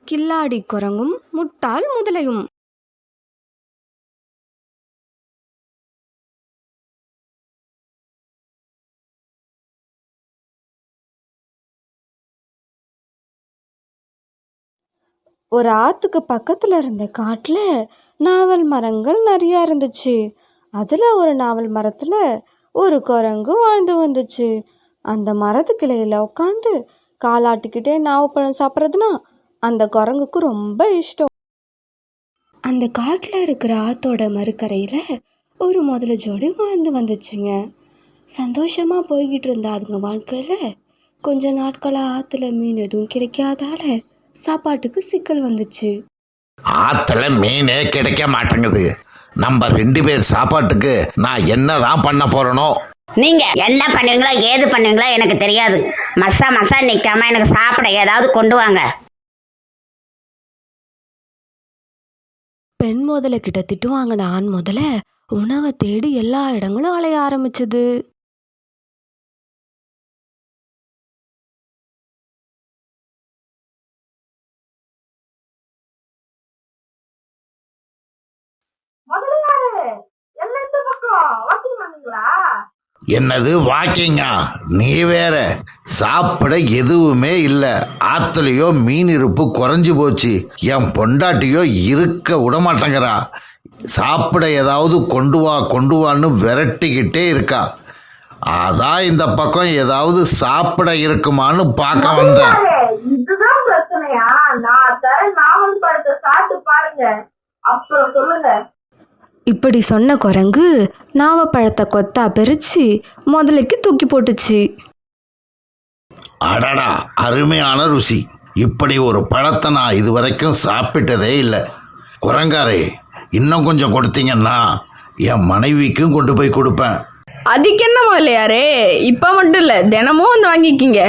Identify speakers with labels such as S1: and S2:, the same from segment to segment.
S1: கில்லாடி குரங்கும் முட்டாள் முதலையும். ஒரு ஆத்துக்கு பக்கத்துல இருந்த காட்டுல நாவல் மரங்கள் நிறைய இருந்துச்சு. அதுல ஒரு நாவல் மரத்துல ஒரு குரங்கு வாழ்ந்து வந்துச்சு. அந்த மரத்து கிளையில உட்காந்து காலாட்டிக்கிட்டே நாவப்பழம் சாப்பிட்றதுனா அந்த குரங்குக்கு ரொம்ப இஷ்டம். அந்த காட்டுல இருக்கிற ஆத்தோட மறுக்கரையில ஒரு முதல ஜோடி வாழ்ந்து வந்துச்சுங்க. சந்தோஷமா போய்கிட்டு இருந்த அதுங்க வாழ்க்கையில கொஞ்ச நாட்களா ஆத்துல மீன் எதுவும் கிடைக்காதால சாப்பாட்டுக்கு சிக்கல் வந்துச்சு.
S2: ஆத்துல மீனே கிடைக்க மாட்டேங்குது. நம்ம 2 பேர் சாப்பாட்டுக்கு நான் என்னதான் பண்ண போறனோ.
S3: நீங்க என்ன பண்ணுவீங்களோ ஏது பண்ணுவீங்களோ எனக்கு தெரியாது. மசா நிக்காம எனக்கு சாப்பிட ஏதாவது கொண்டு வாங்க.
S1: பெண் முதல கிட்ட திட்டு வாங்கின ஆண் முதல உணவை தேடி எல்லா இடங்களும் அலைய ஆரம்பிச்சது.
S2: என்னது வாக்கிங்கா? நீ வேற. சாப்பிட எதுவுமே இல்ல. ஆத்துலயோ மீன் இருப்பு குறைஞ்சு போச்சு. என் பொண்டாட்டியோ இருக்க விட மாட்டேங்கிறா. சாப்பிட ஏதாவது கொண்டு வான்னு விரட்டிக்கிட்டே இருக்கா. அதான் இந்த பக்கம் ஏதாவது சாப்பிட இருக்குமான்னு பார்க்க வந்தேன்.
S4: இதுதான் பிரச்சனையா? நான் தர நாவல் பழத்தை சாப்பிட்டு பாருங்க, அப்புறம் சொல்லுங்க.
S1: இப்படி சொன்ன குரங்கு நாவப்பழத்தை கொத்தா பிரிச்சு முதலைக்கு தூக்கி போட்டுச்சு.
S2: அடடா, அருமையான ருசி. இப்படி ஒரு பழத்தை நான் இதுவரைக்கும் சாப்பிட்டதே இல்லை. குரங்காரே, இன்னும் கொஞ்சம் கொடுத்தீங்கன்னா என் மனைவிக்கும் கொண்டு போய் கொடுப்பேன்.
S5: அதுக்கு என்ன முதலையாரே, இப்ப மட்டும் இல்ல, தினமும் வந்து வாங்கிக்கிங்க.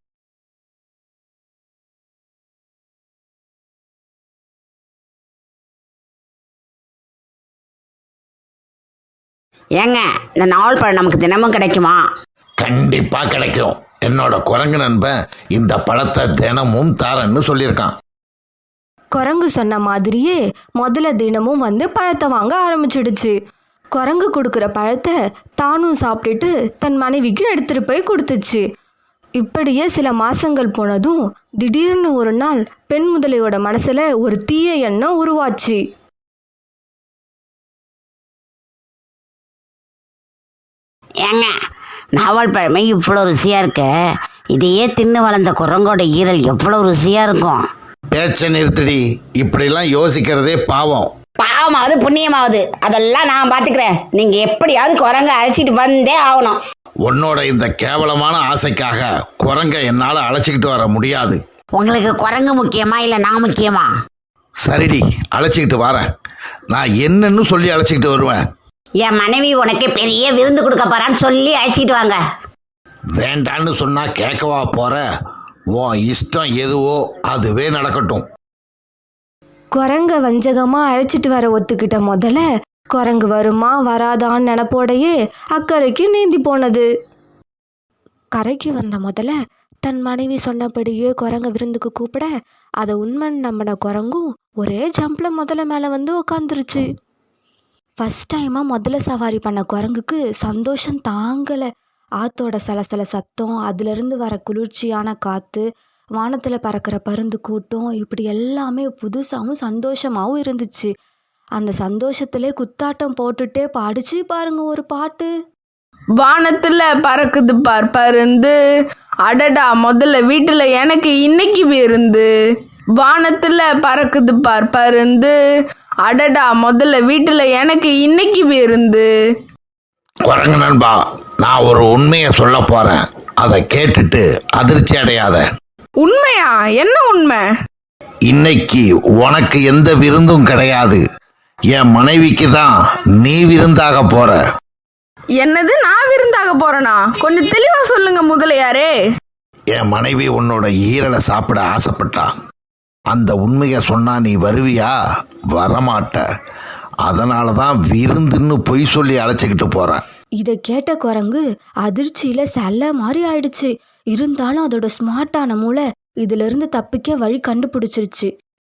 S3: ஏங்க, இந்த நாவல் பழம் நமக்கு தினமும் கிடைக்குமா?
S2: கண்டிப்பா கிடைக்கும். என்னோட குரங்கு நண்பன் இந்த பழத்தை தினமும் தாரன்னு சொல்லியிருக்கான்.
S1: குரங்கு சொன்ன மாதிரியே முதல்ல தினமும் வந்து பழத்தை வாங்க ஆரம்பிச்சிடுச்சு. குரங்கு கொடுக்குற பழத்தை தானும் சாப்பிட்டுட்டு தன் மனைவிக்கும் எடுத்துட்டு போய் கொடுத்துச்சு. இப்படியே சில மாசங்கள் போனதும் திடீர்னு ஒரு நாள் பெண் முதலையோட மனசுல ஒரு தீய எண்ணம் உருவாச்சு.
S3: ஏங்க, நாவல் பழமே இவ்வளோ ருசியா இருக்கு. இதையே தின்னு வளர்ந்த குரங்கோட ஈரல் எவ்வளவு ருசியா இருக்கும்.
S2: பேச்ச நிறுத்தடி. இப்படிலாம் யோசிக்கிறதே பாவம்.
S3: பாவமாவது புண்ணியமாவது அதெல்லாம் நான் பாத்துக்கிறேன். நீங்க எப்படியாவது குரங்க அழைச்சிட்டு வந்தே ஆகணும்.
S2: உன்னோட இந்த கேவலமான ஆசைக்காக குரங்க என்னால அழைச்சிக்கிட்டு வர முடியாது.
S3: உங்களுக்கு குரங்கு முக்கியமா இல்ல நான் முக்கியமா?
S2: சரிடி, அழைச்சிக்கிட்டு வரேன். நான் என்னன்னு சொல்லி அழைச்சிக்கிட்டு வருவேன்.
S3: என் மனைவி உனக்கு பெரிய விருந்து கொடுக்க போறான்னு சொல்லி அழைச்சிட்டு வாங்க.
S2: வேண்டான்னு சொன்னா கேட்கவா போற? உன் இஷ்டம் எதுவோ அதுவே நடக்கட்டும்.
S1: குரங்க வஞ்சகமா அழைச்சிட்டு வர ஒத்துக்கிட்ட முதல்ல குரங்கு வருமா வராதான்னு நினப்போடையே அக்கறைக்கு நீந்தி போனது. கரைக்கு வந்த முதல்ல தன் மனைவி சொன்னபடியே குரங்க விருந்துக்கு கூப்பிட அதை உண்மைன்னு நம்பின குரங்கும் ஒரே ஜம்ப்ல முதல்ல மேலே வந்து உக்காந்துருச்சு. ஃபஸ்ட் டைமாக முதல்ல சவாரி பண்ண குரங்குக்கு சந்தோஷம் தாங்கலை. ஆத்தோட சலசல சத்தம், அதுலேருந்து வர குளிர்ச்சியான காற்று, வானத்தில் பறக்கிற பருந்து கூட்டம், இப்படி எல்லாமே புதுசாகவும் சந்தோஷமாகவும் இருந்துச்சு. அந்த சந்தோஷத்திலே குத்தாட்டம் போட்டுட்டே பாடிச்சு பாருங்க ஒரு பாட்டு.
S5: வானத்துல பறக்குது பார் பருந்து, அடடா முதல்ல வீட்டுல எனக்கு இன்னைக்கு விருந்து. வானத்துல பறக்குது பார் பருந்து, அடடா முதல்ல வீட்டுல எனக்கு இன்னைக்கு விருந்து.
S2: குரங்கு நண்பா, நான் ஒரு உண்மையை சொல்ல போறேன். அதை கேட்டுட்டு அதிர்ச்சி அடையாத.
S5: உண்மையா? என்ன உண்மை?
S2: இன்னைக்கு உனக்கு எந்த விருந்தும் கிடையாது. என் மனைவிக்கு தான் நீ விருந்தாக போற.
S5: என்னது, நான் விருந்தாக போறேனா? கொஞ்சம் தெளிவா சொல்லுங்க முதலையாரே.
S2: என் மனைவி உன்னோட ஈரலை சாப்பிட ஆசைப்பட்டா. அந்த உண்மையை சொன்னா நீ வருவியா? வரமாட்ட. அதனாலதான் விருந்துன்னு பொய் சொல்லி அழைச்சிக்கிட்டு போறேன்.
S1: இதை கேட்ட குரங்கு அதிர்ச்சியில செல்ல மாதிரி ஆயிடுச்சு. இருந்தாலும் அதோட ஸ்மார்ட்டான மூளை இதுல இருந்து தப்பிக்க வழி கண்டுபிடிச்சிருச்சு.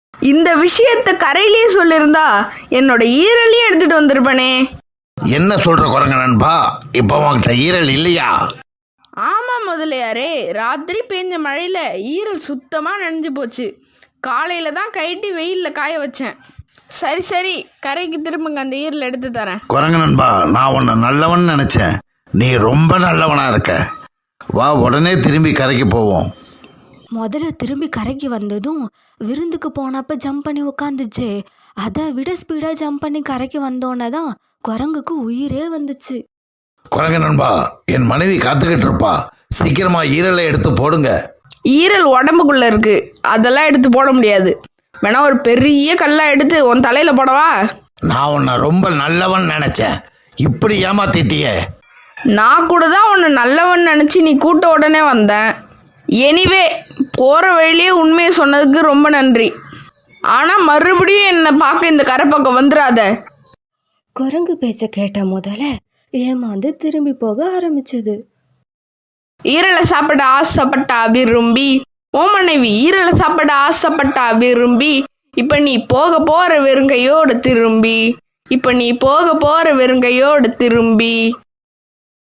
S5: இந்த விஷயத்த கரையிலேயே சொல்லியிருந்தா என்னோட ஈரலையும் எடுத்துட்டு வந்திருப்பனே.
S2: என்ன சொல்ற குரங்க நண்பா, இப்போ உன்கிட்ட ஈரல் இல்லையா?
S5: ஆமா முதலியாரே, ராத்திரி பெஞ்ச மழையில ஈரல் சுத்தமா நனைஞ்சு போச்சு. காலையில தான் கைட்டி வெயில்ல காய வச்சேன். சரி சரி, கரைக்கு திரும்புங்க, அந்த ஈரல் எடுத்து தரேன்.
S2: குரங்க நண்பா, நான் உன்னை நல்லவன் நினைச்சேன். நீ ரொம்ப நல்லவனா இருக்க. வா, உடனே திரும்பி கரைக்கு போவோம்.
S1: முதல்ல திரும்பி கரைக்கு வந்ததும் விருந்துக்கு போனப்ப ஜம்ப் பண்ணி உக்காந்துச்சு. அதை விட ஸ்பீடாக ஜம்ப் பண்ணி கரைக்கு வந்தோன்னே தான் குரங்குக்கு உயிரே வந்துச்சு.
S2: குரங்க நண்பா, என் மனைவி காத்துக்கிட்டு இருப்பா. சீக்கிரமா ஈரலை எடுத்து போடுங்க.
S5: ஈரல் உடம்புக்குள்ள இருக்கு, அதெல்லாம் எடுத்து போட முடியாது. வேணா ஒரு பெரிய கல்லா எடுத்து உன் தலையில போடவா?
S2: நான் உன்னை ரொம்ப நல்லவன் நினைச்சேன், இப்படி ஏமாத்திட்டியே.
S5: நான் கூட தான் உன்னை நல்லவன் நினைச்சு நீ கூட்ட உடனே வந்தேன். எனிவே, போற வழியிலே உண்மையை சொன்னதுக்கு ரொம்ப நன்றி. ஆனா மறுபடியும் என்னை பார்க்க இந்த கரை பக்கம் வந்துடாத.
S1: குரங்கு பேச்ச கேட்ட முதல்ல ஏமாந்து திரும்பி போக ஆரம்பிச்சது.
S5: ஈரலை சாப்பிட ஆசைப்பட்டா விரும்பி, ஓ மனைவி ஈரலை சாப்பிட ஆசைப்பட்டா விரும்பி, இப்ப நீ போக போற வெறுங்கையோடு திரும்பி, இப்ப நீ போக போற வெறுங்கையோடு திரும்பி.